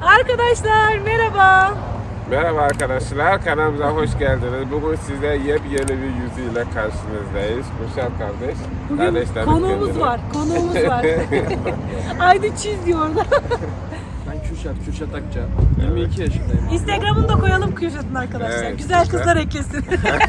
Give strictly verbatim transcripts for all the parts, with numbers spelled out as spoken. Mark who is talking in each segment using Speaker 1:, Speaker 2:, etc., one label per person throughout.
Speaker 1: Arkadaşlar merhaba.
Speaker 2: Merhaba arkadaşlar, kanalımıza hoş geldiniz. Bugün size yepyeni bir yüzüyle karşınızdayız. Kürşat kardeş.
Speaker 1: Bugün
Speaker 2: Kardeşlerim
Speaker 1: konuğumuz
Speaker 2: kendine.
Speaker 1: var, konuğumuz var. Haydi çiz diyor orada.
Speaker 3: Ben Kürşat, Kürşat Akça. yirmi iki yaşındayım.
Speaker 1: Instagram'ını da koyalım Kürşat'ın arkadaşlar.
Speaker 2: Evet,
Speaker 1: Güzel
Speaker 2: güzel.
Speaker 1: kızlar eklesin.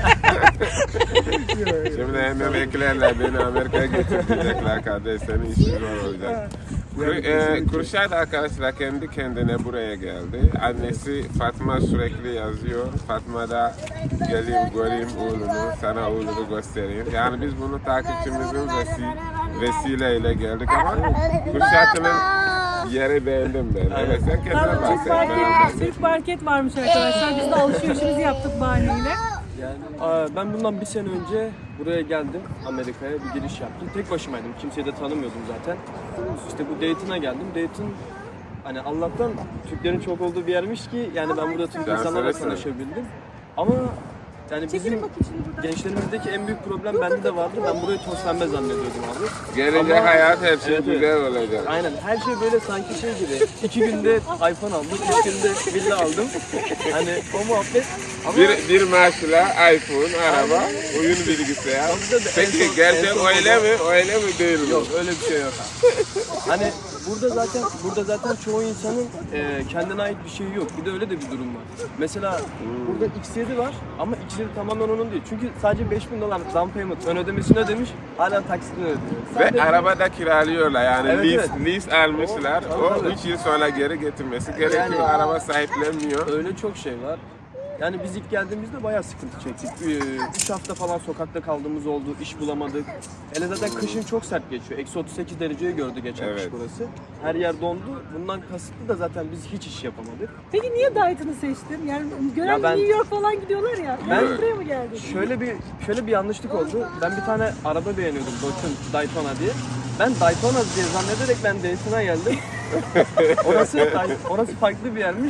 Speaker 2: Şimdi hemen eklerler beni Amerika'ya getirecekler kardeş. Senin işin zor olacak. Kür- e, Kürşat arkadaşlar kendi kendine buraya geldi. Annesi Fatma sürekli yazıyor. Fatma da geleyim göreyim oğlunu, sana oğlunu göstereyim. Yani biz bunu takipçimizin vesi vesileyle geldik ama Kürşat'ın yeri beğendim ben. Evet sen kendine
Speaker 1: Tamam, Türk
Speaker 2: bahset. ben
Speaker 1: market,
Speaker 2: anlatayım.
Speaker 1: Türk market varmış arkadaşlar. Biz de alışverişimizi yaptık bahaneyle.
Speaker 3: Yani aa, ben bundan bir sene önce buraya geldim. Amerika'ya bir giriş yaptım. Tek başımaydım. Kimseyi de tanımıyordum zaten. İşte bu Dayton'a geldim. Dayton hani Allah'tan Türklerin çok olduğu bir yermiş ki yani ben burada Türk
Speaker 2: Sen
Speaker 3: insanlarla
Speaker 2: söylesene.
Speaker 3: tanışabildim. Ama yani bizim
Speaker 1: Çekilin bakayım şimdi buradan.
Speaker 3: gençlerimizdeki en büyük problem bende de vardı. Ben burayı toz pembe zannediyordum abi.
Speaker 2: Gelecek
Speaker 3: Ama-
Speaker 2: hayat her şey
Speaker 3: Evet, evet.
Speaker 2: güzel olacak.
Speaker 3: Aynen her şey böyle sanki şey gibi. İki günde iPhone aldım, üç günde villa aldım. Hani o muhabbet. Ama
Speaker 2: Bir, bir maaşla iPhone, araba, oyun bilgisayar.
Speaker 3: Tabii tabii, en
Speaker 2: Peki
Speaker 3: son- en
Speaker 2: gerçek
Speaker 3: son
Speaker 2: öyle mi? Öyle mi değil mi?
Speaker 3: yok öyle bir şey yok. Hani burada zaten burada zaten çoğu insanın e, kendine ait bir şeyi yok. Bir de öyle de bir durum var. Mesela burada X yedi var ama X yedi tamamen onun değil. Çünkü sadece beş bin dolar down payment ön ödemesini ödemiş, hala taksitini ödüyor.
Speaker 2: Ve
Speaker 3: Sadece-
Speaker 2: araba da kiralıyorlar yani
Speaker 3: Evet,
Speaker 2: lease,
Speaker 3: evet.
Speaker 2: lease almışlar.
Speaker 3: O-
Speaker 2: O
Speaker 3: tabii, tabii.
Speaker 2: üç yıl sonra geri getirmesi gerekiyor.
Speaker 3: Yani-
Speaker 2: Araba sahiplenmiyor.
Speaker 3: Öyle çok şey var. Yani biz ilk geldiğimizde bayağı sıkıntı çektik. üç hafta falan sokakta kaldığımız oldu, iş bulamadık. Hele zaten kışın çok sert geçiyor. Eksi otuz sekiz dereceyi gördü geçen
Speaker 2: Evet.
Speaker 3: kış burası. Her yer dondu. Bundan kasıtlı da zaten biz hiç iş yapamadık.
Speaker 1: Peki niye Dayton'u seçtin? Yani gören
Speaker 3: Ya ben-
Speaker 1: New York falan gidiyorlar ya.
Speaker 3: Ben-
Speaker 1: Ben buraya mı geldin?
Speaker 3: Şöyle bir şöyle bir yanlışlık oldu. Ben bir tane araba beğeniyordum Dodge'un Daytona diye. Ben Daytona diye zannederek ben Dayton'a geldim. orası orası farklı bir yermiş.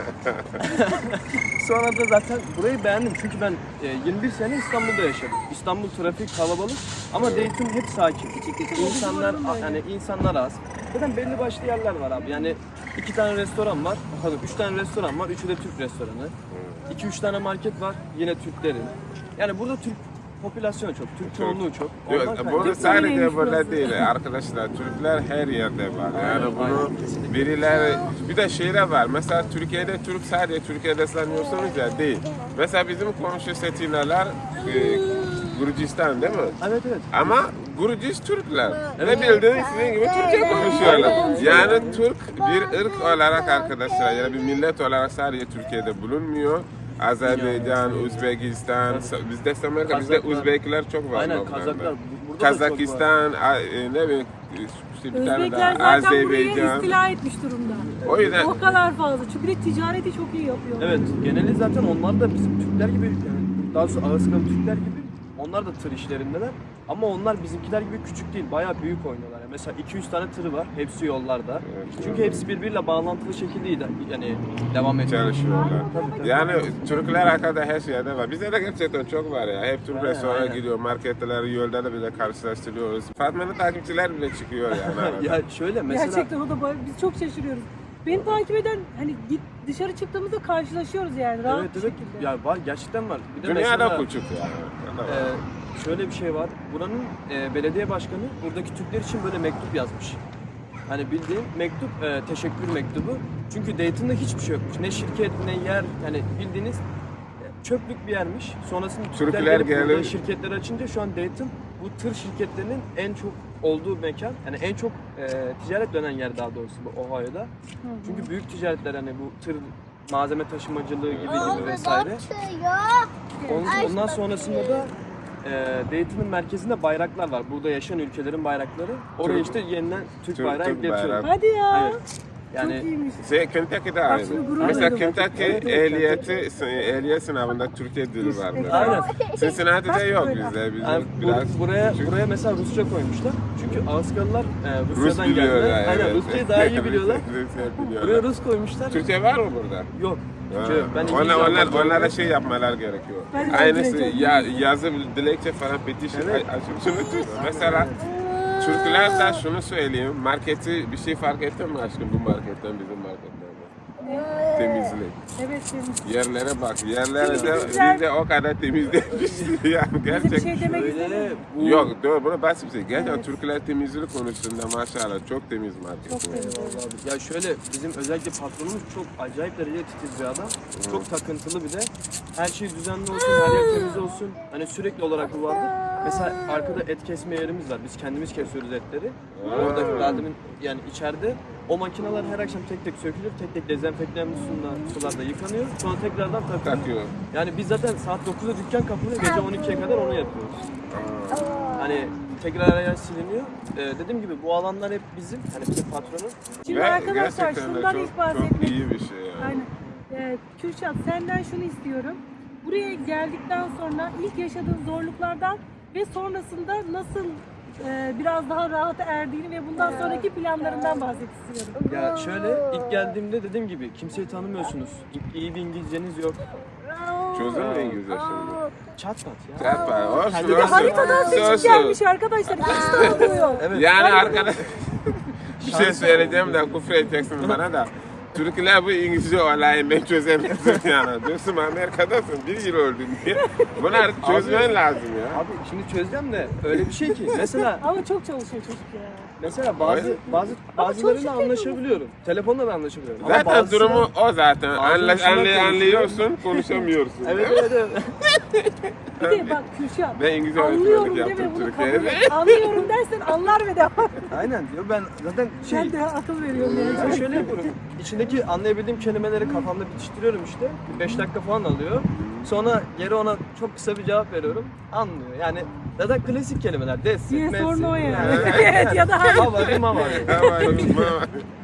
Speaker 3: Sonra da zaten burayı beğendim çünkü ben e, yirmi bir sene İstanbul'da yaşadım. İstanbul trafik kalabalık ama Dayton hep sakin. İnsanlar yani insanlar az. Zaten belli başlı yerler var abi. Yani iki tane restoran var. Pardon, üç tane restoran var. Üçü de Türk restoranı. İki üç tane market var. Yine Türklerin. Yani burada Türk popülasyonu çok. Türk çoğunluğu çok.
Speaker 2: Diyor,
Speaker 3: Ondan
Speaker 2: Burada
Speaker 3: kaynaklı-
Speaker 2: sadece
Speaker 1: öyleymiş
Speaker 2: burada
Speaker 1: burası.
Speaker 2: değil arkadaşlar. Türkler her yerde var. Yani
Speaker 3: Aynen,
Speaker 2: bunu
Speaker 3: aynen, kesinlikle.
Speaker 2: birileri bir de şeyler var. Mesela Türkiye'de Türk sadece Türkiye'de sanıyorsunuz ya değil. Mesela bizim komşu Setinalar e, Gürcistan değil mi?
Speaker 3: Evet evet.
Speaker 2: Ama Gürcis Türkler.
Speaker 3: Evet.
Speaker 2: Ne bildiğiniz sizin gibi Türkçe konuşuyorlar. Yani Türk bir ırk olarak arkadaşlar yani bir millet olarak sadece Türkiye'de bulunmuyor. Azerbaycan, Özbekistan, bizde Amerika, bizde
Speaker 3: Kazaklar.
Speaker 2: Uzbekler çok var.
Speaker 3: Aynen
Speaker 2: Lobnan'da.
Speaker 3: Kazaklar. Bu- Burada da çok var.
Speaker 2: Kazakistan, a- e, ne bileyim işte bir tane
Speaker 1: Özbekler
Speaker 2: daha
Speaker 1: zaten burayı
Speaker 2: Azerbaycan.
Speaker 1: istila etmiş durumda.
Speaker 2: O yüzden
Speaker 1: O kadar fazla. Çünkü de ticareti çok iyi yapıyor.
Speaker 3: Evet, geneli zaten onlar da bizim Türkler gibi, yani daha doğrusu Ağızkalı Türkler gibi, onlar da tır işlerindeler. Ama onlar bizimkiler gibi küçük değil, bayağı büyük oynuyorlar. Yani mesela iki üç tane tırı var, hepsi yollarda.
Speaker 2: Evet,
Speaker 3: Çünkü hepsi birbiriyle bağlantılı şekilde yani devam ediyor.
Speaker 2: çalışıyorlar.
Speaker 3: Tabii, tabii.
Speaker 2: Yani Türkler hakkında her şeyde var. Bizde de gerçekten çok var ya. Hep Türk
Speaker 3: Aynen,
Speaker 2: restorana
Speaker 3: aynen.
Speaker 2: gidiyor, marketler, yolda da bile karşılaştırıyoruz. Fatma'nın takipçiler bile çıkıyor yani arada.
Speaker 3: Ya şöyle mesela
Speaker 1: Gerçekten o da bayağı- biz çok şaşırıyoruz. Beni takip eden hani git dışarı çıktığımızda karşılaşıyoruz yani rahat
Speaker 3: evet
Speaker 1: bir
Speaker 3: evet
Speaker 1: şekilde.
Speaker 3: ya var gerçekten var. Bir de
Speaker 2: Dünyada
Speaker 3: mesela,
Speaker 2: küçük yani.
Speaker 3: e, şöyle bir şey var. Buranın e, belediye başkanı buradaki Türkler için böyle mektup yazmış. Hani bildiğin mektup, e, teşekkür mektubu. Çünkü Dayton'da hiçbir şey yokmuş. Ne şirket, ne yer, yani bildiğiniz e, çöplük bir yermiş. Sonrasında Türkler,
Speaker 2: Türkler
Speaker 3: gelip burada
Speaker 2: gelip-
Speaker 3: şirketler açınca şu an Dayton bu tır şirketlerinin en çok olduğu mekan. Yani en çok e, ticaret dönen yer daha doğrusu bu Ohio'da. Çünkü büyük ticaretler hani bu tır malzeme taşımacılığı gibi gibi vesaire. Onun- Ondan sonrasında da e, Dayton'un merkezinde bayraklar var. Burada yaşayan ülkelerin bayrakları. Oraya
Speaker 2: Türk-
Speaker 3: işte yeniden Türk,
Speaker 2: Türk-
Speaker 3: bayrağı
Speaker 2: Türk
Speaker 3: ekletiyorlar.
Speaker 2: bayrağı.
Speaker 1: Hadi ya.
Speaker 3: Evet. Yani
Speaker 1: Çok iyiymiş.
Speaker 2: Şey, Kentucky'de
Speaker 1: Bak
Speaker 2: aynı.
Speaker 1: şimdi gurur
Speaker 2: Mesela
Speaker 1: duydum.
Speaker 2: Kentucky
Speaker 3: Evet, evet.
Speaker 2: ehliyeti, ehliyet sınavında Türkiye dili var. mesela.
Speaker 3: aynen.
Speaker 2: Cincinnati'de
Speaker 1: Bak
Speaker 2: yok
Speaker 1: böyle.
Speaker 2: bizde. Bizde
Speaker 3: Yani bu-
Speaker 2: biraz
Speaker 3: buraya
Speaker 2: küçük.
Speaker 3: buraya mesela Rusça koymuşlar. Çünkü Ağızkalılar e,
Speaker 2: Rus
Speaker 3: Rusya'dan
Speaker 2: biliyorlar.
Speaker 3: geldiler. Aynen
Speaker 2: evet.
Speaker 3: Rusçayı daha iyi biliyorlar.
Speaker 2: Rusça biliyorlar.
Speaker 3: Buraya Rus koymuşlar.
Speaker 2: Türkçe var mı burada?
Speaker 3: Yok.
Speaker 2: Ha.
Speaker 3: Türkçe yok. Ben İngilizce
Speaker 2: onlar, onlar,
Speaker 3: yapmak zorundayım.
Speaker 2: onlara şey yapmalar gerekiyor.
Speaker 1: Ben de
Speaker 2: Aynısı
Speaker 1: dilekçe
Speaker 2: ya, yazı, dilekçe falan petition.
Speaker 3: Evet.
Speaker 2: Ay- ay- şunu tut. Mesela Türkler de şunu söyleyeyim, marketi bir şey fark ettin mi aşkım bu marketten bizim marketlerden? Temizlik.
Speaker 1: Evet temiz.
Speaker 2: Yerlere bak, yerlere de
Speaker 1: Temizler.
Speaker 2: biz de o kadar temizlemişiz yani
Speaker 1: Bize bir
Speaker 2: gerçekten.
Speaker 1: şey demek
Speaker 3: Öyle
Speaker 1: istemedim.
Speaker 3: bu
Speaker 2: Yok doğru, bunu basit bir şey. Gerçekten
Speaker 1: Evet.
Speaker 2: Türkler temizlik konusunda maşallah çok temiz market.
Speaker 1: Çok temiz.
Speaker 3: Eyvallah abi. Ya şöyle bizim özellikle patronumuz çok acayip derecede titiz bir adam. Çok takıntılı bir de. Her şey düzenli olsun, her yer temiz olsun. Hani sürekli olarak bu vardır. Mesela arkada et kesme yerimiz var. Biz kendimiz kesiyoruz etleri. Oradaki daha demin yani içeride o makineler her akşam tek tek sökülür, tek tek dezenfektanlı suyla sularda yıkanıyor. Sonra tekrardan takılıyor.
Speaker 2: Takıyor.
Speaker 3: Yani biz zaten saat dokuzda dükkan kapanıyor, gece on ikiye kadar onu yapıyoruz. Hani tekrar her yer siliniyor. Ee, dediğim gibi bu alanlar hep bizim, hani bizim patronun.
Speaker 1: Şimdi
Speaker 2: Ve
Speaker 1: arkadaşlar
Speaker 2: gerçekten de
Speaker 1: şundan
Speaker 2: çok,
Speaker 1: ilk bahsetmek.
Speaker 2: çok iyi bir şey yani.
Speaker 1: Aynen. Ee, Kürşat senden şunu istiyorum. Buraya geldikten sonra ilk yaşadığın zorluklardan ve sonrasında nasıl e, biraz daha rahata erdiğini ve bundan sonraki planlarından bahset istiyorum.
Speaker 3: Ya şöyle ilk geldiğimde dediğim gibi kimseyi tanımıyorsunuz. İ- İyi bir İngilizceniz yok.
Speaker 2: Çözdün mü İngilizce şimdi?
Speaker 3: Çat pat ya.
Speaker 2: Yapma, olsun
Speaker 3: Kendi
Speaker 1: Bir de
Speaker 2: olsun.
Speaker 1: haritadan seçim
Speaker 2: Olsun.
Speaker 1: gelmiş arkadaşlar. Hiç tanımıyor.
Speaker 3: Evet.
Speaker 2: Yani arkadaş bir şey söyleyeceğim de küfür edeceksin bana da. Türkler bu İngilizce olayını çözemezsin yani. Diyorsun Amerika'dasın, bir yıl öldün diye. Bunları çözmen lazım ya.
Speaker 3: Abi şimdi çözeceğim de öyle bir şey ki mesela
Speaker 1: Ama çok çalışıyor çocuk ya.
Speaker 3: mesela bazı bazı bazılarıyla
Speaker 1: çalışıyor
Speaker 3: anlaşabiliyorum. Telefonla da anlaşabiliyorum. Ama
Speaker 2: Zaten
Speaker 3: bazısıyla-
Speaker 2: durumu o zaten.
Speaker 3: Bazı
Speaker 2: Anla,
Speaker 3: insanlar
Speaker 2: anlay-
Speaker 3: konuşuyor.
Speaker 2: anlıyorsun, konuşamıyorsun.
Speaker 3: Evet evet evet.
Speaker 1: Bir de bak Kürşat.
Speaker 2: Ben İngilizce
Speaker 1: Anlıyorum
Speaker 2: öğretmenlik
Speaker 1: deme
Speaker 2: yaptım
Speaker 1: bunu kabul
Speaker 2: Türkiye'de.
Speaker 1: et. Anlıyorum dersen anlar ve devam.
Speaker 3: Aynen diyor ben zaten şey
Speaker 1: Ben de akıl veriyorum
Speaker 3: ben
Speaker 1: yani.
Speaker 3: şöyle yapıyorum. İçindeki anlayabildiğim kelimeleri kafamda bitiştiriyorum işte. beş dakika falan alıyor. Sonra geri ona çok kısa bir cevap veriyorum. Anlıyor. Yani zaten klasik kelimeler. Des,
Speaker 1: Yes
Speaker 3: messi.
Speaker 1: or no yani.
Speaker 3: Yani.
Speaker 1: Evet ya da hayır.
Speaker 3: Hava, mama.
Speaker 2: Ama yok,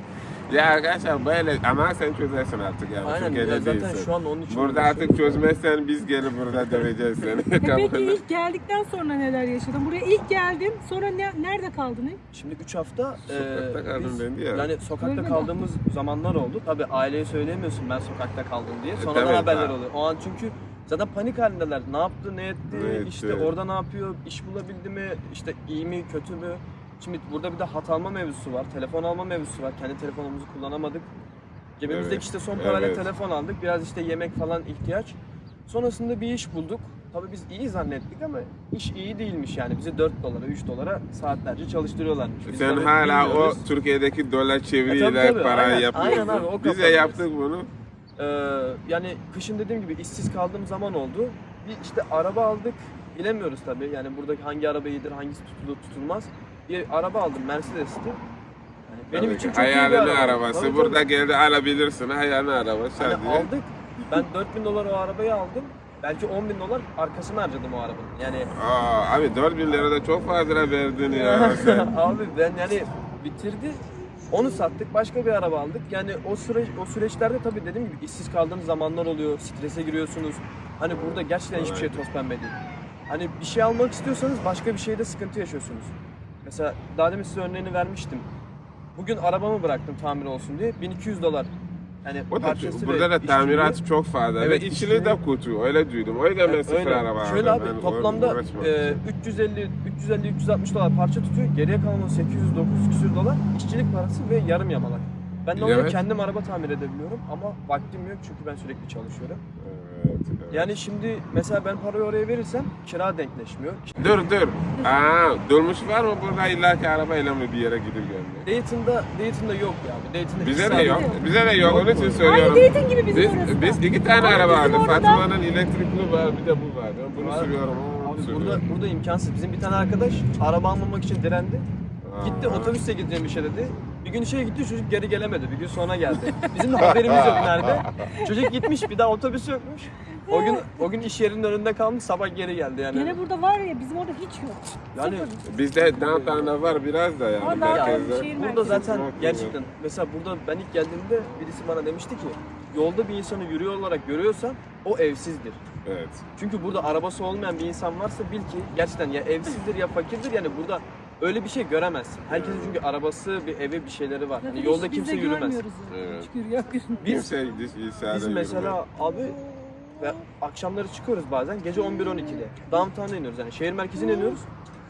Speaker 2: ya arkadaşlar böyle ama sen çözersin artık yani.
Speaker 3: Aynen
Speaker 2: Türkiye'de
Speaker 3: ya zaten
Speaker 2: değilsin.
Speaker 3: şu an onun için
Speaker 2: Burada artık çözmezsen biz gelip burada döveceğiz seni.
Speaker 1: E peki ilk geldikten sonra neler yaşadın? Buraya ilk geldin, sonra ne, nerede kaldın? hep?
Speaker 3: Şimdi üç hafta
Speaker 2: Sokakta
Speaker 3: eee,
Speaker 2: kaldım
Speaker 3: biz-
Speaker 2: dendi ya.
Speaker 3: Yani sokakta
Speaker 1: Öyle mi?
Speaker 3: kaldığımız zamanlar oldu. Tabii aileye söyleyemiyorsun ben sokakta kaldım diye. Sonradan
Speaker 2: E, tabii,
Speaker 3: haberler
Speaker 2: ha.
Speaker 3: oluyor. O an çünkü zaten panik halindeler. Ne yaptı, ne etti,
Speaker 2: Ne etti?
Speaker 3: işte orada ne yapıyor, iş bulabildi mi, işte iyi mi, kötü mü? Şimdi burada bir de hat alma mevzusu var, telefon alma mevzusu var. Kendi telefonumuzu kullanamadık. Cebimizdeki
Speaker 2: Evet,
Speaker 3: işte son parayla
Speaker 2: evet.
Speaker 3: telefon aldık. Biraz işte yemek falan ihtiyaç. Sonrasında bir iş bulduk. Tabii biz iyi zannettik ama iş iyi değilmiş yani. Bizi dört dolara, üç dolara saatlerce çalıştırıyorlarmış. Biz
Speaker 2: Sen
Speaker 3: tabii
Speaker 2: hala o
Speaker 3: bilmiyoruz.
Speaker 2: Türkiye'deki dolar
Speaker 3: E, tabii,
Speaker 2: çeviriyle
Speaker 3: tabii,
Speaker 2: para
Speaker 3: aynen,
Speaker 2: yapıyorsun.
Speaker 3: aynen abi, o
Speaker 2: Biz de
Speaker 3: kafadayız.
Speaker 2: yaptık bunu.
Speaker 3: Ee, yani kışın dediğim gibi işsiz kaldığım zaman oldu. Bir işte araba aldık. Bilemiyoruz tabii. Yani buradaki hangi araba iyidir, hangisi tutulur, tutulmaz. Bir araba aldım, Mercedes'ti. Yani benim
Speaker 2: Tabii
Speaker 3: için
Speaker 2: ki.
Speaker 3: çok iyi bir
Speaker 2: Hayalini
Speaker 3: araba.
Speaker 2: arabası.
Speaker 3: Tabii,
Speaker 2: Burada
Speaker 3: tabii.
Speaker 2: geldi alabilirsin. Hayalini araba
Speaker 3: Hani
Speaker 2: sadece.
Speaker 3: aldık. Ben dört bin dolar o arabayı aldım. Belki on bin dolar arkasını harcadım o arabanın. Yani
Speaker 2: Aa, abi dört bin lira da çok fazla verdin ya sen.
Speaker 3: abi ben yani bitirdi. Onu sattık, başka bir araba aldık. Yani o süreç o süreçlerde tabii dediğim gibi işsiz kaldığınız zamanlar oluyor. Strese giriyorsunuz. Hani burada gerçekten hiçbir şey toz pembe değil. Hani bir şey almak istiyorsanız başka bir şeyde sıkıntı yaşıyorsunuz. Mesela daha demin size örneğini vermiştim. Bugün arabamı bıraktım tamir olsun diye bin iki yüz dolar. Yani
Speaker 2: O da,
Speaker 3: parçası
Speaker 2: burada
Speaker 3: ve
Speaker 2: da tamirat
Speaker 3: işçiliği-
Speaker 2: çok fazla.
Speaker 3: Evet,
Speaker 2: Ve içini de
Speaker 3: işçiliği-
Speaker 2: kötü. Öyle duydum. O yüzden ben sıfır
Speaker 3: Öyle.
Speaker 2: araba
Speaker 3: Şöyle
Speaker 2: aldım.
Speaker 3: abi
Speaker 2: Ben
Speaker 3: toplamda
Speaker 2: uğraşmam.
Speaker 3: e, üç yüz elli üç yüz elli üç yüz altmış dolar parça tutuyor. Geriye kalan sekiz yüz dokuz yüz küsür dolar işçilik parası ve yarım yamalak. Ben de
Speaker 2: Evet.
Speaker 3: kendim araba tamir edebiliyorum ama vaktim yok çünkü ben sürekli çalışıyorum.
Speaker 2: Evet, evet.
Speaker 3: Yani şimdi mesela ben parayı oraya verirsem kira denkleşmiyor.
Speaker 2: Dur dur. Aa, dolmuş var mı burada illaki arabayla mı bir yere gidip gelmek?
Speaker 3: Dayton'da Dayton'da yok ya. Dayton'da
Speaker 2: Bize
Speaker 3: hiç
Speaker 2: de
Speaker 3: saat
Speaker 2: yok.
Speaker 1: yok.
Speaker 2: Bize de yok. Onun için
Speaker 1: Aynı
Speaker 2: söylüyorum.
Speaker 1: Dayton gibi bizim
Speaker 2: Biz,
Speaker 1: orası da.
Speaker 2: biz iki tane
Speaker 1: Ama
Speaker 2: araba
Speaker 1: bizim
Speaker 2: aldık.
Speaker 1: orada-
Speaker 2: Fatma'nın elektrikli var, bir de bu var. Ben bunu
Speaker 3: Var.
Speaker 2: sürüyorum.
Speaker 3: Abi
Speaker 2: sürüyorum.
Speaker 3: burada burada imkansız. Bizim bir tane arkadaş araba almamak için direndi. Gitti
Speaker 2: Aa.
Speaker 3: otobüsle gideceğim işe dedi. Bir gün işe gitti çocuk geri gelemedi. Bir gün sonra geldi. Bizim de haberimiz yok nerede. Çocuk gitmiş bir daha otobüs yokmuş. O gün o gün iş yerinin önünde kalmış sabah geri geldi yani.
Speaker 1: Gene burada var ya bizim orada hiç yok.
Speaker 3: Yani
Speaker 1: Sıfır.
Speaker 2: Bizde downtown'da var biraz da yani.
Speaker 1: Ama
Speaker 2: merkezde.
Speaker 1: şehir
Speaker 3: burada
Speaker 1: merkezi.
Speaker 3: zaten
Speaker 2: Yok,
Speaker 3: gerçekten mesela burada ben ilk geldiğimde birisi bana demişti ki yolda bir insanı yürüyor olarak görüyorsan o evsizdir.
Speaker 2: Evet.
Speaker 3: Çünkü burada arabası olmayan bir insan varsa bil ki gerçekten ya evsizdir ya fakirdir yani burada öyle bir şey göremezsin. Herkesin çünkü arabası, bir evi, bir şeyleri var.
Speaker 1: Zaten
Speaker 3: Hani
Speaker 1: hiç
Speaker 3: yolda
Speaker 1: biz
Speaker 3: kimse
Speaker 1: de
Speaker 3: yürümez.
Speaker 1: görmüyoruz yani.
Speaker 2: Evet.
Speaker 1: Hiç görüyor-
Speaker 3: Biz
Speaker 2: Kimse İsa'da
Speaker 3: Biz mesela abi ve akşamları çıkıyoruz bazen gece on bir on ikide. Downtown'a iniyoruz yani şehir merkezine iniyoruz.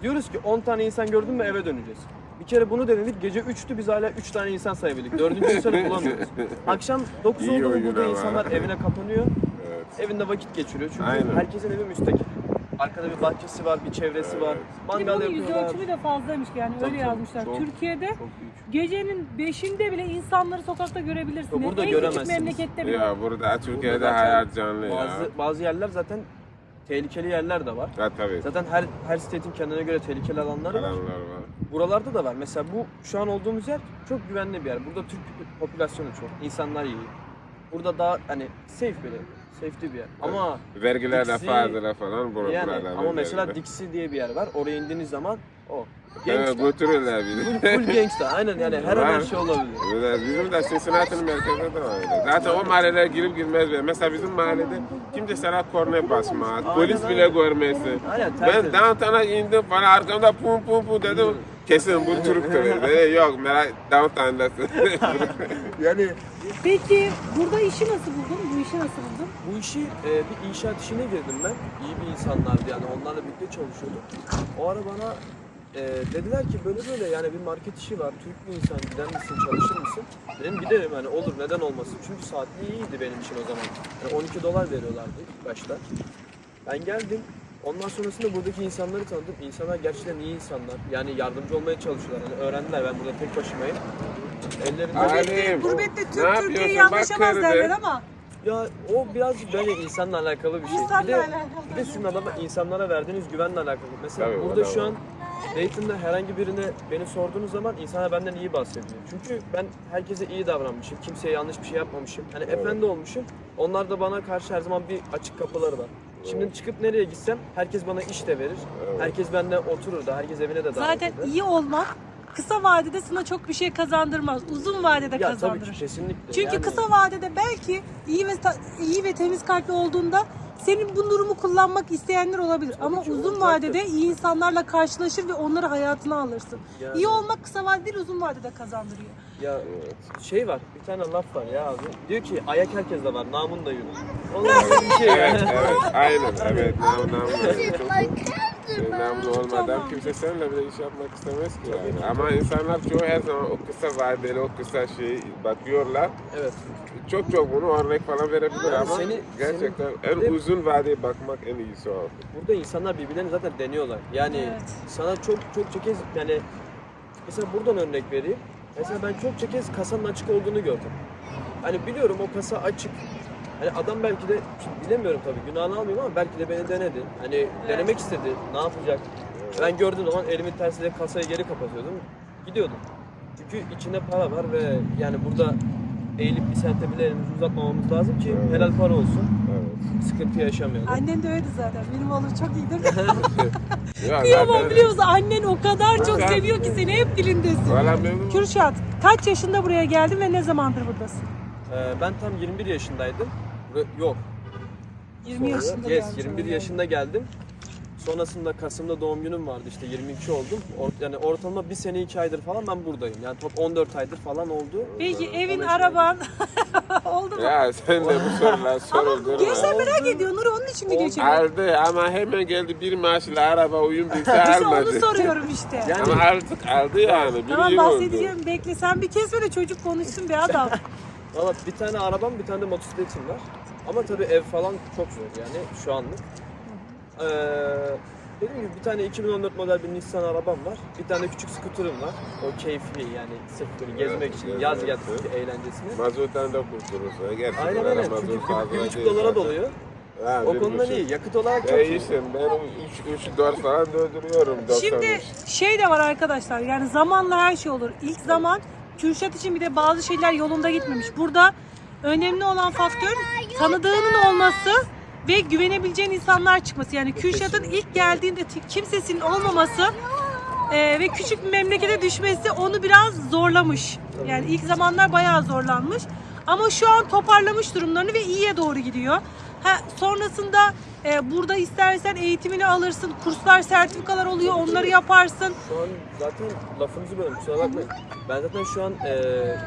Speaker 3: Diyoruz ki on tane insan gördün mü eve döneceğiz. Bir kere bunu denedik. Gece üçtü biz hala üç tane insan sayabildik. Dördüncü insanı bulamıyoruz. Akşam dokuz
Speaker 2: İyi
Speaker 3: oldu mu
Speaker 2: oyun
Speaker 3: burada
Speaker 2: ama.
Speaker 3: insanlar evine kapanıyor.
Speaker 2: Evet.
Speaker 3: Evinde vakit geçiriyor. Çünkü
Speaker 2: Aynen.
Speaker 3: herkesin evi müstakil. Arkada bir bahçesi var, bir çevresi var.
Speaker 1: Bir de
Speaker 3: Mangal
Speaker 1: bunun yüz
Speaker 3: yapıyorlar.
Speaker 1: ölçümü de fazlaymış yani
Speaker 3: Tabii,
Speaker 1: öyle
Speaker 3: tabii.
Speaker 1: yazmışlar.
Speaker 3: Çok-
Speaker 1: Türkiye'de
Speaker 3: Çok büyük.
Speaker 1: gecenin beşinde bile insanları sokakta görebilirsiniz.
Speaker 3: Burada
Speaker 1: en küçük
Speaker 3: göremezsiniz.
Speaker 1: memlekette bile.
Speaker 2: Ya burada Türkiye'de
Speaker 3: Burada zaten
Speaker 2: hayat canlı ya.
Speaker 3: Bazı, bazı yerler zaten tehlikeli yerler de var.
Speaker 2: Ha tabii.
Speaker 3: Zaten her her state'in kendine göre tehlikeli alanları var.
Speaker 2: Adamlar var.
Speaker 3: Buralarda da var. Mesela bu şu an olduğumuz yer çok güvenli bir yer. Burada Türk popülasyonu çok. İnsanlar iyi. Burada daha hani safe bir yer. Safety bir yer. Ama
Speaker 2: Vergiler de
Speaker 3: Dixie-
Speaker 2: fazla falan bur
Speaker 3: yani
Speaker 2: buralarda.
Speaker 3: ama mesela
Speaker 2: vergiler.
Speaker 3: Dixie diye bir yer var. Oraya indiğiniz zaman o.
Speaker 2: Evet,
Speaker 3: Gangsta.
Speaker 2: götürürler bizi.
Speaker 3: Full gangsta. Aynen yani her an her şey olabilir.
Speaker 2: Evet, bizim de Cincinnati'nin merkezinde de öyle. Zaten o mahallelere girip girmez bile. Mesela bizim mahallede kimse sana korne basmaz, polis bile
Speaker 3: aynen.
Speaker 2: görmesin.
Speaker 3: Aynen,
Speaker 2: Ben
Speaker 3: tertemiz.
Speaker 2: downtown'a indim falan arkamda pum pum pum dedim. Kesin bu Türk'tür. Dedi, yok merak downtown'dasın.
Speaker 3: Yani
Speaker 1: Peki burada işi nasıl buldun? Bu işi nasıl buldun?
Speaker 3: bu işi e, bir inşaat işine girdim ben. İyi bir insanlardı yani onlarla birlikte çalışıyorduk. O ara bana e, dediler ki böyle böyle yani bir market işi var. Türk bir insan gider misin çalışır mısın? Dedim giderim hani olur neden olmasın. Çünkü saatli iyiydi benim için o zaman. Yani on iki dolar veriyorlardı ilk başta. Ben geldim. Ondan sonrasında buradaki insanları tanıdım. İnsanlar gerçekten iyi insanlar. Yani yardımcı olmaya çalışıyorlar. Hani öğrendiler ben burada tek başımayım. Ellerinde
Speaker 2: Alim,
Speaker 1: Gurbette
Speaker 2: ne
Speaker 1: Türk Türkiye'yi
Speaker 2: yapıyorsun?
Speaker 1: anlaşamaz
Speaker 2: Bak
Speaker 1: derler
Speaker 2: kırdı.
Speaker 1: ama
Speaker 3: Ya o birazcık böyle insanla alakalı bir şey.
Speaker 1: İnsanla
Speaker 3: bir de,
Speaker 1: alakalı.
Speaker 3: bir de sizin adama, insanlara verdiğiniz güvenle alakalı. Mesela
Speaker 2: Tabii, o
Speaker 3: burada
Speaker 2: da
Speaker 3: şu
Speaker 2: var.
Speaker 3: an Dayton'da herhangi birine beni sorduğunuz zaman insanlar benden iyi bahsediyor. Çünkü ben herkese iyi davranmışım, kimseye yanlış bir şey yapmamışım. Hani efendi olmuşum. Onlar da bana karşı her zaman bir açık kapıları var. Şimdi çıkıp nereye gitsem herkes bana iş de verir. Herkes benden oturur da, herkes evine de davet
Speaker 1: zaten
Speaker 3: eder.
Speaker 1: iyi olmak kısa vadede sana çok bir şey kazandırmaz. Uzun vadede
Speaker 3: Ya tabii
Speaker 1: kazandırır.
Speaker 3: ki kesinlikle.
Speaker 1: Çünkü
Speaker 3: Yani-
Speaker 1: kısa vadede belki iyi ve ta- iyi ve temiz kalpli olduğunda senin bu durumu kullanmak isteyenler olabilir. Ama
Speaker 3: ki,
Speaker 1: uzun
Speaker 3: olacaktır.
Speaker 1: vadede iyi insanlarla karşılaşır ve onları hayatına alırsın.
Speaker 3: Yani-
Speaker 1: İyi olmak kısa vadede değil, uzun vadede kazandırıyor.
Speaker 3: Ya şey var, bir tane laf var ya abi. Diyor ki ayak herkeste var, namun da yürür. Onun gibi bir şey
Speaker 2: Evet,
Speaker 3: yani.
Speaker 2: evet, aynen, evet. Nam, nam,
Speaker 4: Like
Speaker 2: Şey, namlu olmadan
Speaker 1: Tamam.
Speaker 2: kimse seninle bile iş yapmak istemez ki yani. Ama insanlar çoğu her zaman o kısa vadeli, o kısa şey bakıyorlar.
Speaker 3: Evet.
Speaker 2: Çok çok bunu örnek falan verebilir
Speaker 3: Yani
Speaker 2: ama
Speaker 3: seni-
Speaker 2: gerçekten
Speaker 3: seni-
Speaker 2: en uzun vadeye bakmak en iyisi o.
Speaker 3: Burada insanlar birbirlerini zaten deniyorlar. Yani
Speaker 1: Evet.
Speaker 3: sana çok çok kez yani mesela buradan örnek vereyim. Mesela ben çok kez kasanın açık olduğunu gördüm. Hani biliyorum o kasa açık. Hani adam belki de şimdi bilemiyorum tabii günahını almayayım ama belki de beni denedi. Hani denemek istedi. Ne yapacak? Ben gördüğüm zaman elimin tersiyle kasayı geri kapatıyordum. Gidiyordum. Çünkü içinde para var ve yani burada eğilip bir sente bile elimizi uzatmamamız lazım ki helal para olsun.
Speaker 2: Evet.
Speaker 3: Sıkıntı yaşamayalım.
Speaker 1: Annen de öyle zaten. Benim oğlum çok iyidir.
Speaker 2: Ya
Speaker 1: Kıyamam
Speaker 2: zaten-
Speaker 1: biliyorsun. Annen o kadar çok
Speaker 2: Zaten-
Speaker 1: seviyor ki seni hep dilindesin.
Speaker 2: Valla memnun.
Speaker 1: Kürşat, kaç yaşında buraya geldin ve ne zamandır buradasın?
Speaker 3: Ee, ben tam yirmi bir yaşındaydım. Bura- Yok.
Speaker 1: yirmi
Speaker 3: Sonra-
Speaker 1: yaşında
Speaker 3: Yes,
Speaker 1: geldin.
Speaker 3: yirmi bir yaşında geldim. Sonrasında Kasım'da doğum günüm vardı işte yirmi iki oldum. Or- yani ortalama bir sene iki aydır falan ben buradayım. Yani top on dört aydır falan oldu.
Speaker 1: Peki evin,
Speaker 3: on beş
Speaker 1: araban oldu mu?
Speaker 2: Ya sen de bu sorular
Speaker 1: Ama
Speaker 2: soruldurma.
Speaker 1: gençler merak ediyor. Nuri onun için mi geçiyor?
Speaker 2: Aldı ama hemen geldi bir maaşla araba uyum bilse
Speaker 1: İşte onu
Speaker 2: almadı.
Speaker 1: soruyorum işte.
Speaker 3: Yani-
Speaker 2: Ama artık aldı yani. Bir
Speaker 1: Tamam
Speaker 2: yıl oldu.
Speaker 1: bahsedeceğim. Bekle. Sen bir kez böyle çocuk konuşsun be adam.
Speaker 3: Valla bir tane arabam bir tane de motosikletim var. Ama tabii ev falan çok zor yani şu anlık. Ee, dediğim gibi bir tane iki bin on dört model bir Nissan arabam var. Bir tane küçük skuterim var. O keyfi yani sırf böyle gezmek için
Speaker 2: evet,
Speaker 3: yaz
Speaker 2: evet.
Speaker 3: geldi eğlencesine.
Speaker 2: Mazottan da kurtulursa. Gerçi
Speaker 3: Aynen
Speaker 2: böyle
Speaker 3: aynen.
Speaker 2: mazot
Speaker 3: Çünkü
Speaker 2: fazla
Speaker 3: bir buçuk
Speaker 2: değil
Speaker 3: dolara
Speaker 2: zaten.
Speaker 3: doluyor.
Speaker 2: Ha,
Speaker 3: O
Speaker 2: bir
Speaker 3: konudan
Speaker 2: buçuk.
Speaker 3: iyi. Yakıt olarak çok
Speaker 2: Ya
Speaker 3: iyi.
Speaker 2: işte ben üç dört falan döndürüyorum.
Speaker 1: Şimdi şey de var arkadaşlar. Yani zamanla her şey olur. İlk zaman Kürşat için bir de bazı şeyler yolunda gitmemiş. Burada önemli olan faktör tanıdığının olması ve güvenebileceğin insanlar çıkması. Yani Kürşat'ın ilk geldiğinde t- kimsesinin olmaması e, ve küçük bir memlekete düşmesi onu biraz zorlamış. Yani ilk zamanlar bayağı zorlanmış. Ama şu an toparlamış durumlarını ve iyiye doğru gidiyor. Ha, sonrasında e, burada istersen eğitimini alırsın, kurslar, sertifikalar oluyor, onları yaparsın.
Speaker 3: Şu an zaten lafınızı bölüm kusura bakmayın. Ben zaten şu an e,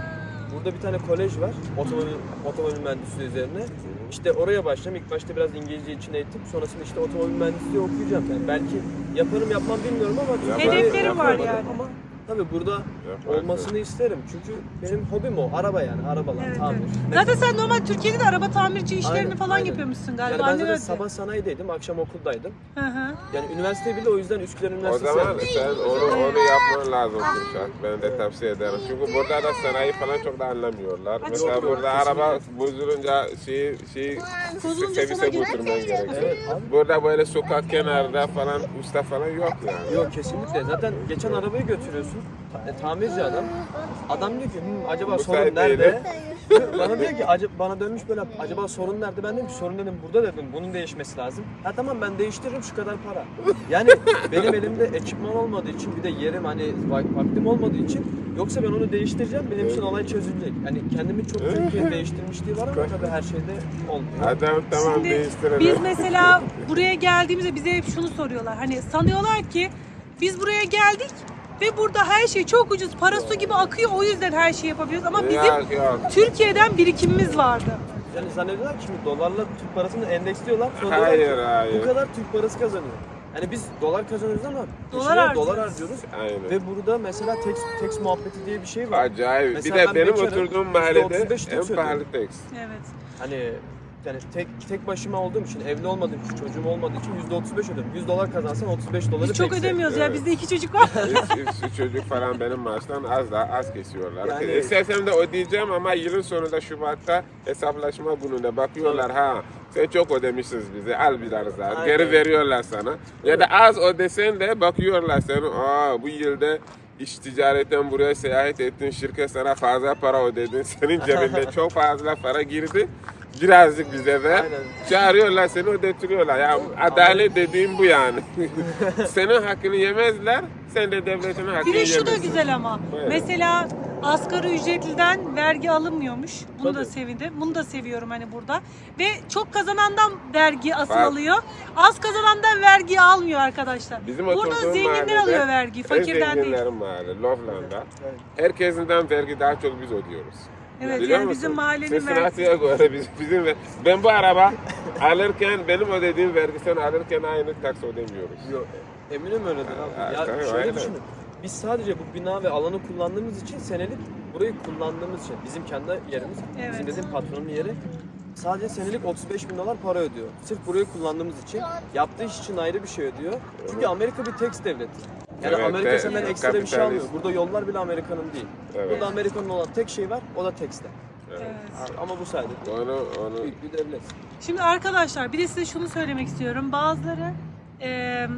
Speaker 3: burada bir tane kolej var. Otomobil, otomobil mühendisliği üzerine. İşte oraya başlayacağım. İlk başta biraz İngilizce için eğitim. Sonrasında işte otomobil mühendisliği okuyacağım. Yani belki yaparım yapmam bilmiyorum ama
Speaker 1: Hedefleri var
Speaker 3: yapamadım.
Speaker 1: yani.
Speaker 3: Ama tabii burada
Speaker 2: Yaparsın.
Speaker 3: olmasını isterim. Çünkü benim hobim o. Araba yani. Arabalar,
Speaker 1: Evet,
Speaker 3: tamir.
Speaker 1: evet.
Speaker 3: Ne-
Speaker 1: Zaten sen normal Türkiye'de de araba tamirci işlerini
Speaker 3: Aynen,
Speaker 1: falan
Speaker 3: aynen.
Speaker 1: yapıyormuşsun galiba.
Speaker 3: Yani ben
Speaker 1: Annen
Speaker 3: zaten
Speaker 1: öyle.
Speaker 3: sabah sanayideydim, akşam okuldaydım.
Speaker 1: Hı hı.
Speaker 3: Yani üniversite bile o yüzden Üsküdar
Speaker 2: O
Speaker 3: Üniversitesi
Speaker 2: zaman
Speaker 3: yaptım.
Speaker 2: sen onu, onu yapman lazım Kürşat. Ben de tavsiye ederim. Çünkü burada da sanayi falan çok da anlamıyorlar.
Speaker 1: Ha,
Speaker 2: Mesela
Speaker 1: çok doğru,
Speaker 2: burada araba bozulunca şey, şey
Speaker 1: Bozulunca
Speaker 2: servise
Speaker 1: sana gidip-
Speaker 2: götürmen gerekiyor.
Speaker 3: Evet abi.
Speaker 2: Burada böyle sokak kenarında falan usta falan yok yani.
Speaker 3: Yok kesinlikle. Zaten geçen arabayı götürüyorsun. Ta- e, tamirci adam. Adam diyor ki "Hmm, acaba
Speaker 2: Bu
Speaker 3: sorun
Speaker 2: sayede
Speaker 3: nerede? Bana diyor ki "Acaba- bana dönmüş böyle acaba sorun nerede? Ben dedim ki sorun dedim burada dedim. Bunun değişmesi lazım. Ha tamam ben değiştiririm şu kadar para. Yani benim elimde ekipman olmadığı için bir de yerim hani vak- vaktim olmadığı için yoksa ben onu değiştireceğim. Benim için olay çözülecek. Hani kendimi çok çok değiştirmişliği var ama tabii her şeyde olmuyor.
Speaker 2: Adam tamam
Speaker 1: Şimdi
Speaker 2: değiştirelim.
Speaker 1: biz mesela buraya geldiğimizde bize hep şunu soruyorlar. Hani sanıyorlar ki biz buraya geldik ve burada her şey çok ucuz, para su gibi akıyor, o yüzden her şeyi yapabiliyoruz. Ama bizim
Speaker 2: Yok, yok.
Speaker 1: Türkiye'den birikimimiz vardı.
Speaker 3: Yani zannediyorlar ki şimdi dolarla Türk parasını endeksliyorlar. Sonra
Speaker 2: Hayır,
Speaker 3: diyorlar ki,
Speaker 2: hayır.
Speaker 3: bu kadar Türk parası kazanıyor. Yani biz dolar kazanıyoruz ama
Speaker 1: Dolar
Speaker 3: peşine
Speaker 1: harcıyoruz.
Speaker 3: dolar harcıyoruz.
Speaker 2: Aynen.
Speaker 3: Ve burada mesela tax, tax muhabbeti diye bir şey var.
Speaker 2: Acayip.
Speaker 3: Mesela
Speaker 2: bir de
Speaker 3: ben
Speaker 2: benim
Speaker 3: bekarım,
Speaker 2: oturduğum
Speaker 3: yüzde
Speaker 2: mahallede
Speaker 3: otuz beş
Speaker 2: en
Speaker 3: Türk
Speaker 2: pahalı
Speaker 3: ödüyorum.
Speaker 2: tax.
Speaker 1: Evet.
Speaker 3: Hani yani tek tek başıma olduğum için, evli olmadığım için, çocuğum olmadığı için yüzde otuz beş ödüyorum. yüz dolar kazansan otuz beş doları
Speaker 1: Biz çok
Speaker 3: tax'e.
Speaker 1: ödemiyoruz ya.
Speaker 2: Evet.
Speaker 1: Bizde iki çocuk var.
Speaker 2: üç, üç, üç çocuk falan benim maaştan az da az kesiyorlar.
Speaker 3: Yani-
Speaker 2: İstersem de ödeyeceğim ama yılın sonunda Şubat'ta hesaplaşma gününde bakıyorlar ha sen çok ödemişsiniz bize al biraz daha
Speaker 3: Aynen.
Speaker 2: geri veriyorlar sana. Ya da az ödesen de bakıyorlar sen aa bu yılda iş ticaretten buraya seyahat ettin şirket sana fazla para ödedin senin cebinde çok fazla para girdi. Birazcık bize ver.
Speaker 3: Aynen.
Speaker 2: Çağırıyorlar seni ödetiriyorlar. Ya adalet dediğim bu yani. Senin hakkını yemezler, sen de devletin hakkını
Speaker 1: Bir de
Speaker 2: yemezsin.
Speaker 1: şu da güzel ama.
Speaker 2: Buyurun.
Speaker 1: Mesela asgari ücretliden vergi alınmıyormuş. Bunu da
Speaker 3: Tabii.
Speaker 1: sevindim. Bunu da seviyorum hani burada. Ve çok kazanandan vergi asıl
Speaker 2: Var.
Speaker 1: alıyor. Az kazanandan vergi almıyor arkadaşlar.
Speaker 2: Bizim
Speaker 1: Burada
Speaker 2: oturduğum
Speaker 1: zenginler
Speaker 2: mahallede
Speaker 1: alıyor vergi, fakirden
Speaker 2: en
Speaker 1: değil.
Speaker 2: zenginlerin mahalle, Loveland'da.
Speaker 3: Evet.
Speaker 2: Herkesinden vergi daha çok biz ödüyoruz.
Speaker 1: Evet
Speaker 2: Biliyor
Speaker 1: yani
Speaker 2: musun?
Speaker 1: bizim mahallenin vergisi.
Speaker 2: Cincinnati'ye göre biz, bizim ver- ben bu araba alırken benim ödediğim vergi sen alırken aynı taks ödemiyoruz.
Speaker 3: Yok, eminim öyledir
Speaker 2: Ha,
Speaker 3: abi. Ya
Speaker 2: tabii,
Speaker 3: şöyle
Speaker 2: aynen.
Speaker 3: düşünün. Biz sadece bu bina ve alanı kullandığımız için senelik burayı kullandığımız için bizim kendi yerimiz,
Speaker 1: Evet.
Speaker 3: bizim dediğim patronun yeri sadece senelik otuz beş bin dolar para ödüyor. Sırf burayı kullandığımız için. Yaptığı iş için ayrı bir şey ödüyor. Çünkü Amerika bir tax devleti. Yani
Speaker 2: Evet,
Speaker 3: Amerika
Speaker 2: evet,
Speaker 3: senden
Speaker 2: evet,
Speaker 3: ekstra bir şey
Speaker 2: kapitalist.
Speaker 3: almıyor. Burada yollar bile Amerika'nın değil.
Speaker 2: Evet.
Speaker 3: Burada Amerika'nın olan tek şey var, o da tax'te.
Speaker 1: Evet.
Speaker 3: Ama bu sayede
Speaker 2: Onu, onu
Speaker 3: büyük bir devlet.
Speaker 1: Şimdi arkadaşlar bir de size şunu söylemek istiyorum. Bazıları eee,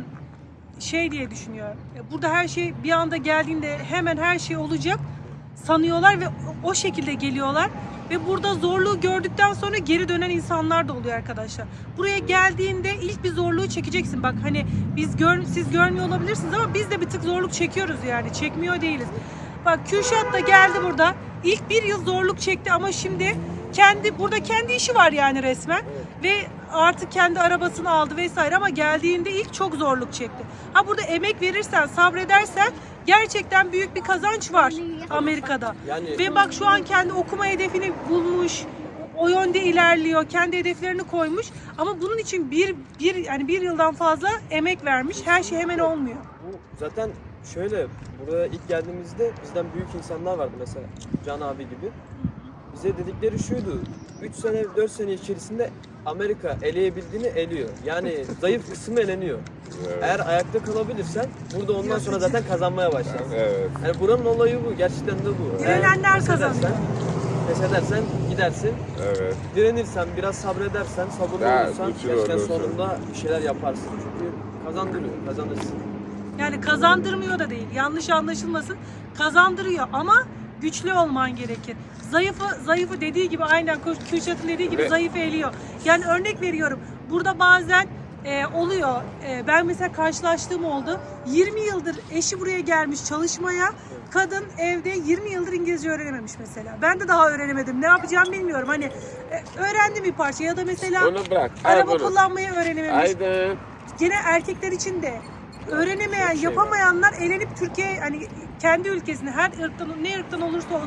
Speaker 1: şey diye düşünüyor. E, Burada her şey bir anda geldiğinde hemen her şey olacak sanıyorlar ve o şekilde geliyorlar. Ve burada zorluğu gördükten sonra geri dönen insanlar da oluyor arkadaşlar. Buraya geldiğinde ilk bir zorluğu çekeceksin. Bak hani biz gör, siz görmüyor olabilirsiniz ama biz de bir tık zorluk çekiyoruz yani. Çekmiyor değiliz. Bak Kürşat da geldi burada. İlk bir yıl zorluk çekti ama şimdi kendi burada kendi işi var yani resmen. Ve artık kendi arabasını aldı vesaire ama geldiğinde ilk çok zorluk çekti. Ha burada emek verirsen, sabredersen gerçekten büyük bir kazanç var Amerika'da.
Speaker 3: Yani-
Speaker 1: Ve bak şu an kendi okuma hedefini bulmuş. O yönde ilerliyor. Kendi hedeflerini koymuş. Ama bunun için bir, bir yani bir yıldan fazla emek vermiş. Her şey hemen olmuyor.
Speaker 3: Bu zaten şöyle, buraya ilk geldiğimizde bizden büyük insanlar vardı mesela Can abi gibi. Bize dedikleri şuydu, üç sene dört sene içerisinde Amerika eleyebildiğini eliyor. Yani zayıf kısmı eleniyor.
Speaker 2: Evet.
Speaker 3: Eğer ayakta kalabilirsen burada ondan sonra zaten kazanmaya başlarsın.
Speaker 2: evet.
Speaker 3: Yani buranın olayı bu, gerçekten de bu. Eğer
Speaker 1: Direnenler
Speaker 3: pes edersen-
Speaker 1: kazanıyor.
Speaker 3: Pes edersen gidersin,
Speaker 2: Evet.
Speaker 3: direnirsen, biraz sabredersen, sabırlı
Speaker 2: Daha
Speaker 3: olursan
Speaker 2: güçlü
Speaker 3: gerçekten
Speaker 2: olursun.
Speaker 3: sonunda bir şeyler yaparsın. Çünkü kazandırıyor, kazanırsın.
Speaker 1: Yani kazandırmıyor da değil. Yanlış anlaşılmasın. Kazandırıyor ama güçlü olman gerekir. Zayıfı zayıfı dediği gibi aynen Kürşat'ın dediği gibi
Speaker 2: Ve-
Speaker 1: zayıfı eliyor. Yani örnek veriyorum. Burada bazen e, oluyor. E, ben mesela karşılaştığım oldu. yirmi yıldır eşi buraya gelmiş çalışmaya. Kadın evde yirmi yıldır İngilizce öğrenememiş mesela. Ben de daha öğrenemedim. Ne yapacağımı bilmiyorum. Hani e, öğrendim bir parça ya da mesela
Speaker 2: Onu bırak. al
Speaker 1: araba
Speaker 2: bunu.
Speaker 1: kullanmayı öğrenememiş.
Speaker 2: Haydi.
Speaker 1: Gene erkekler için de öğrenemeyen,
Speaker 3: Çok şey var.
Speaker 1: yapamayanlar elenip Türkiye hani kendi ülkesine her ırktan ne ırktan olursa olsun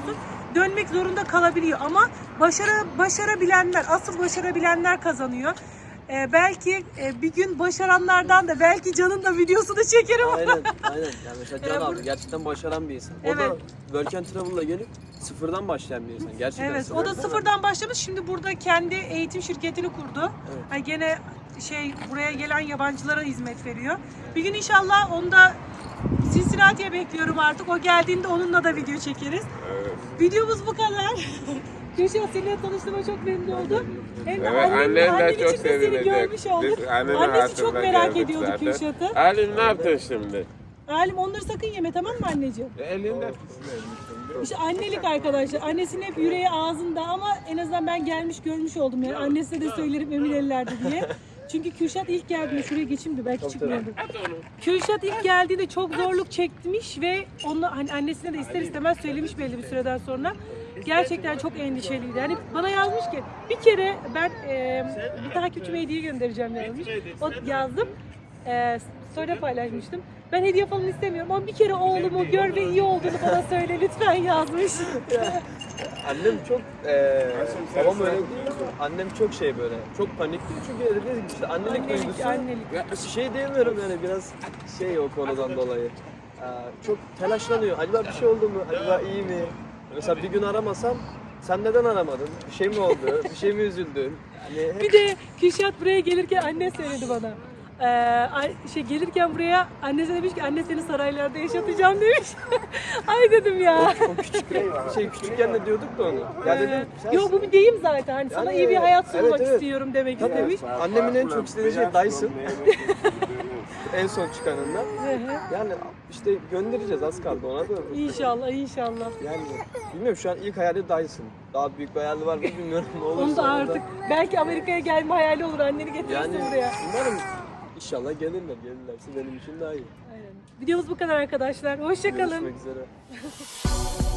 Speaker 1: dönmek zorunda kalabiliyor. Ama başarı, başarabilenler, asıl başarabilenler kazanıyor. Ee, belki e, bir gün başaranlardan da belki Can'ın da videosunu çekerim.
Speaker 3: Aynen, aynen. Yani mesela Can
Speaker 1: Ee, bu-
Speaker 3: abi gerçekten başaran bir insan. O
Speaker 1: Evet.
Speaker 3: da Work and Travel'la gelip sıfırdan başlayan bir insan. Gerçekten
Speaker 1: Evet, o da sıfırdan başlamış. Şimdi burada kendi eğitim şirketini kurdu.
Speaker 3: Evet.
Speaker 1: Yani gene şey buraya gelen yabancılara hizmet veriyor. Bir gün inşallah onu da Cincinnati'ye bekliyorum artık. O geldiğinde onunla da video çekeriz.
Speaker 2: Evet.
Speaker 1: Videomuz bu kadar. Gülşah, seninle tanıştığıma çok memnun oldum. Hem de
Speaker 2: Evet,
Speaker 1: annem,
Speaker 2: annen de
Speaker 1: annen
Speaker 2: çok
Speaker 1: için de seni
Speaker 2: sevinecek.
Speaker 1: görmüş olduk.
Speaker 2: Biz anneni
Speaker 1: Annesi çok
Speaker 2: hatırla
Speaker 1: merak
Speaker 2: geldik
Speaker 1: ediyordu
Speaker 2: zaten.
Speaker 1: Gülşah'ı.
Speaker 2: Halim ne yaptın şimdi?
Speaker 1: Halim, onları sakın yeme, tamam mı anneciğim?
Speaker 2: Elinde
Speaker 1: İşte annelik arkadaşlar. Annesinin hep yüreği ağzında ama en azından ben gelmiş görmüş oldum yani. Annesine de söylerim emin ellerde diye. Çünkü Kürşat ilk geldiğinde, şuraya geçeyim de belki çıkmıyordu. Kürşat ilk geldiğinde çok zorluk çekmiş ve onu hani annesine de ister istemez söylemiş belli bir süreden sonra. Gerçekten çok endişeliydi. Yani bana yazmış ki bir kere ben e, bir takipçime hediye göndereceğim yazmış. O yazdım. E, story'de paylaşmıştım. Ben hediye falan istemiyorum ama bir kere oğlumu gör ve iyi olduğunu bana söyle lütfen yazmış.
Speaker 3: Annem çok eee babam öyle değil. Annem çok şey böyle. Çok panikli çünkü dediğiniz gibi işte annelik
Speaker 1: Annelik,
Speaker 3: duygusu.
Speaker 1: annelik.
Speaker 3: Ya, şey diyemiyorum yani biraz şey o konudan dolayı. Eee, çok telaşlanıyor. Acaba bir şey oldu mu? Acaba iyi mi? Mesela bir gün aramasam sen neden aramadın? Bir şey mi oldu? Bir şey mi üzüldün? Yani hep
Speaker 1: Bir de Kürşat buraya gelirken anne söyledi bana. Ee, ay- şey gelirken buraya annesi demiş ki anne seni saraylarda yaşatacağım demiş. Ay dedim ya.
Speaker 3: o küçük şey küçükken de diyorduk da onu. Ya dedim sen-
Speaker 1: Yok bu bir deyim zaten. Hani sana
Speaker 3: Yani
Speaker 1: iyi bir hayat
Speaker 3: evet,
Speaker 1: sunmak
Speaker 3: evet.
Speaker 1: istiyorum demek
Speaker 3: Tabii.
Speaker 1: istemiş.
Speaker 3: Annemin en çok istediği şey Dyson. En son çıkanından.
Speaker 1: Hı hı.
Speaker 3: Yani işte göndereceğiz az kaldı ona da.
Speaker 1: İnşallah, inşallah.
Speaker 3: Yani bilmiyorum şu an ilk hayali Dyson. Daha büyük bir hayali var mı bilmiyorum ne olursa.
Speaker 1: Onu da
Speaker 3: onda.
Speaker 1: artık belki Amerika'ya gelme hayali olur. Anneni getirirsin
Speaker 3: yani
Speaker 1: buraya.
Speaker 3: umarım inşallah gelirler. Gelirlerse benim için daha iyi.
Speaker 1: Aynen. Videomuz bu kadar arkadaşlar. Hoşça kalın.
Speaker 3: Görüşmek üzere.